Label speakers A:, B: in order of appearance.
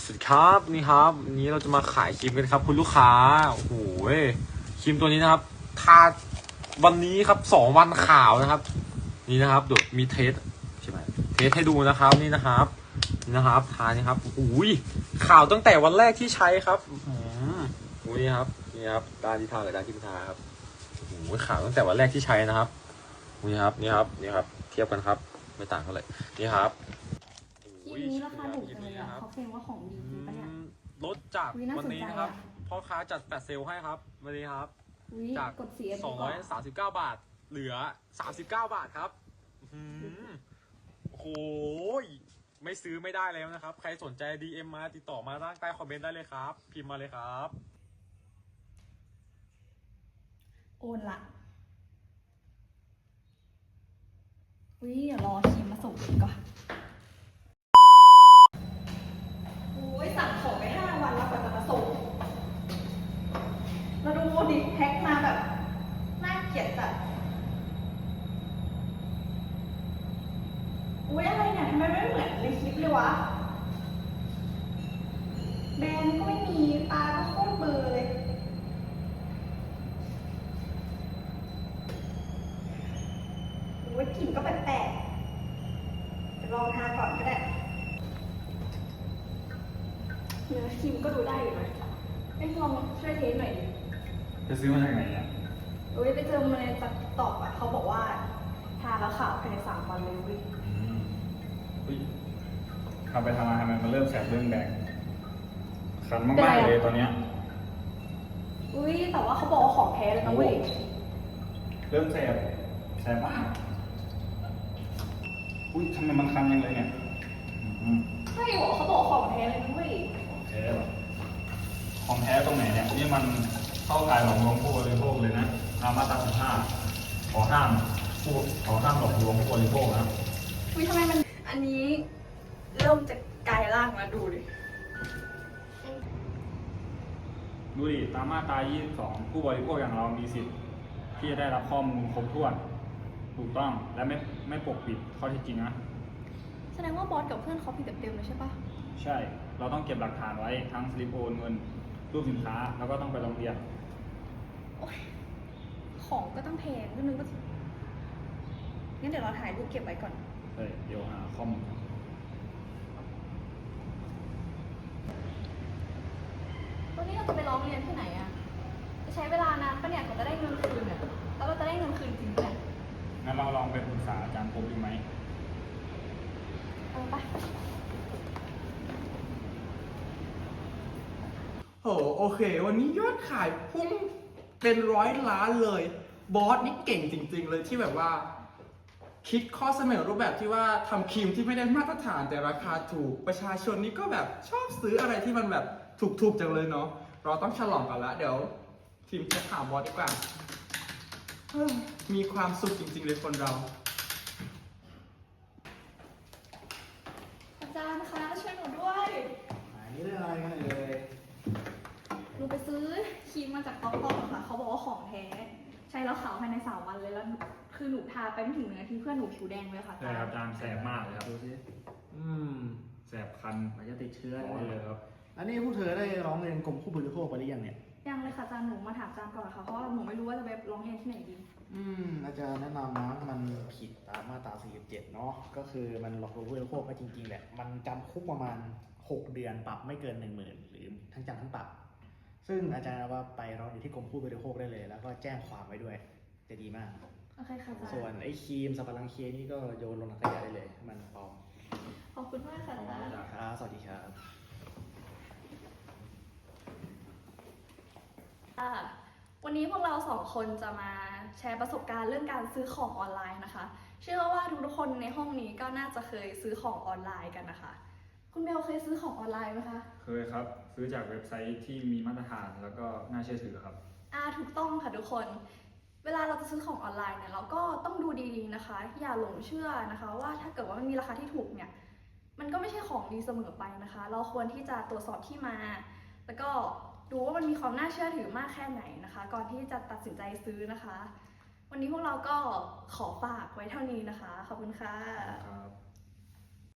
A: สวัสดีครับนี่ครับวันนี้เราจะมาขายครีมกันครับคุณลูกค้าโอ้โหครีมตัวนี้นะครับทาวันนี้ครับ2 วันขาวนะครับนี่นะครับเดี๋ยวมีเทสใช่ไหมเทสให้ดูนะครับนี่นะครับทานี่ครับโอ้ยขาวตั้งแต่วันแรกที่ใช้ครับโอ้ยนี่ครับด้านที่ทากับด้านที่ไม่ทาครับโอ้โหขาวตั้งแต่วันแรกที่ใช้นะครับนี่ครับเทียบกันครับไม่ต่างเท่าไหร่นี่ครับ
B: คลิปนี้ราคาถูกจังเลยอ่ะเขาเคลมว่าของดีจริงปะเนี่ย
A: ลดจาก
B: อุ๊ยน่า
A: วัน
B: สนใจ
A: นี้นะครับ
B: อะ
A: พ่อค้าจัดแฟลชเซลให้ครับวันนี้ครับ
B: อุ๊ย
A: จาก
B: กดเสียดีกว่า
A: 239 บาทเหลือ39 บาทครับโอ้โหไม่ซื้อไม่ได้แล้วนะครับ ใครสนใจ DM มาติดต่อมาใต้คอมเมนต์ได้เลยครับ พิมพ์มาเลยครับ
B: โอนละอุ๊ยเดี๋ยวรอครีมมาส่งดีกว่าอุ๊ยสั่งของไป5 วันแล้วกว่าจะมาส่งแล้วดูดิแพ็คมาแบบน่าเกลียดจัดอุ๊ยอะไรเนี่ยทำไมไม่เหมือนในคลิปเลยวะแบรนด์ก็ไม่มีตาก็โคตรเบลอเลยโอ้ยกลิ่นก็แปลกๆเดี๋ยวลองทาก่อนก็ได้เนื้อครีมก็ดูได้อยู่นะลองช่วยเทสหน่อยดิ
C: จะซื้อมาจากไหนอ่ะ
B: โอ้ยไปเจอมาในติ๊กต็อกอ่ะเขาบอกว่าทาแล้วขาวภายใน3 วันเลยเว้ย
C: อุ้ยทำไปทำมาทำไมมันเริ่มแสบเริ่มแดงคันมากๆเลยตอนเนี้ย
B: อุ้ยแต่ว่าเขาบอกว่าของแท้เลยนะเว้ย
C: เริ่มแสบมากอุ้ยทำไมมันคันยังเลยเนี่ย
B: ใช่เหรอเขาบอกของแท้เลยนะเว้ย
C: ของแท้เหรอของแท้ตรงไหนเนี่ยนี่มันเข้าข่ายหลอกลวงผู้บริโภคเลยนะตามมาตรา15ขอห้ามหลอกลวงผู้บริโภคนะ
B: อุ้ยทำไมมันอันนี้เริ่มจะกลายร่างแล้วดูดิ
C: ดูดิตามมาตรา22ผู้บริโภคอย่างเรามีสิทธิ์ที่จะได้รับข้อมูลครบถ้วนถูกต้องและไม่ปกปิดข้อเท็จจริงนะ
B: แสดงว่าบอสกับเพื่อนเขาผิดเต็มๆเลยใช่ปะ
C: ใช่ เราต้องเก็บหลักฐานไว้ทั้งสลิปโอนเงินรูปสินค้าแล้วก็ต้องไปโรงเรียน
B: โอ๊ยของก็ต้องแพงก็นึกว่างั้นเดี๋ยวเราถ่ายรูปเก็บไว้ก่อน
C: เดี๋ยวหาข้อมูล
B: วันนี้เราจะไปร้องเรียนที่ไหนอะจะใช้เวลานานปะเนี่ยกว่าจะได้เงินคืนเนี่ยแล้วเราจะได้เงินคืนจริงปะเนี่ย
C: งั้นเราลองไปปรึกษาอาจารย์ปุ๊บดีไหม
B: ไป
D: โอเค วันนี้ยอดขายพุ่งเป็น100 ล้านเลย บอสนี่เก่งจริงๆเลยที่แบบว่า คิดข้อเสนอรูปแบบที่ว่าทำครีมที่ไม่ได้มาตรฐานแต่ราคาถูกประชาชนนี่ก็แบบชอบซื้ออะไรที่มันแบบถูกๆจังเลยเนาะเราต้องฉลองกันละเดี๋ยวทีมจะถามบอสดีกว่ามีความสุขจริงๆเลยคนเรา
B: อาจารย์คะช่วยหนูด้วย
E: นี่เรื่องอะไรกันเลย
B: หนูไปซื้อครีมมาจากต๊อกต๊อกค่ะเขาบอกว่าของแท้ใช้แล้วขาวภายใน3 วันเลยแล้วคือหนูทาไปไม่ถึง1 นาทีเพื่อนหนูผิวแดงเลยค่ะ
C: ใช่ครับอาจารย์แสบมากเลยครับ
E: ดูสิ
C: แสบคัน
E: มันจะติดเชื้อ
C: ร้อนเลยครับ
E: อันนี้ผู้เธอได้ร้องเรียนกรมผู้บริโภคไปหรือยังเนี่ย
B: ยังเลยค่ะอาจารย์หนูมาถามอาจารย์ก่อนค่ะเพราะว่าหนูไม่รู้ว่าจะไปร้องเรียนที่ไหนดี
E: อาจารย์แนะนำนะมันผิดตามมาตรา 47 เนาะ ก็คือมันหลอกลวงผู้บริโภคไปจริงๆแหละ มันจำคุกประมาณ 6 เดือนปรับไม่เกิน 10,000 หรือทั้งจำทั้งปรับ ซึ่งอาจารย์ว่าไปร้องอยู่ที่กรมผู้บริโภคได้เลย แล้วก็แจ้งความไว้ด้วย จะดีมาก
B: โอเคค่ะอาจารย์
E: ส่วนไอ้ครีมสับปะรังเคนี่ก็โยนลงถังขยะได้เลย มันปลอม
B: ขอบคุณมากค่ะอาจารย์
E: ครับสวัสดีครับ
B: ค่ะวันนี้พวกเรา2 คนจะมาแชร์ประสบการณ์เรื่องการซื้อของออนไลน์นะคะ เชื่อว่าทุกๆคนในห้องนี้ก็น่าจะเคยซื้อของออนไลน์กันนะคะ คุณเบลเคยซื้อของออนไลน์ไหมคะ
C: เคยครับ ซื้อจากเว็บไซต์ที่มีมาตรฐานแล้วก็น่าเชื่อถือครับ
B: ถูกต้องค่ะทุกคน เวลาเราจะซื้อของออนไลน์เนี่ยเราก็ต้องดูดีๆนะคะ อย่าหลงเชื่อนะคะว่าถ้าเกิดว่ามันมีราคาที่ถูกเนี่ยมันก็ไม่ใช่ของดีเสมอไปนะคะ เราควรที่จะตรวจสอบที่มา แล้วก็ดูว่ามันมีความน่าเชื่อถือมากแค่ไหนนะคะ ก่อนที่จะตัดสินใจซื้อนะคะ วันนี้พวกเราก็ขอฝากไว้เท่านี้นะคะขอบคุณค่ะ
C: ครับ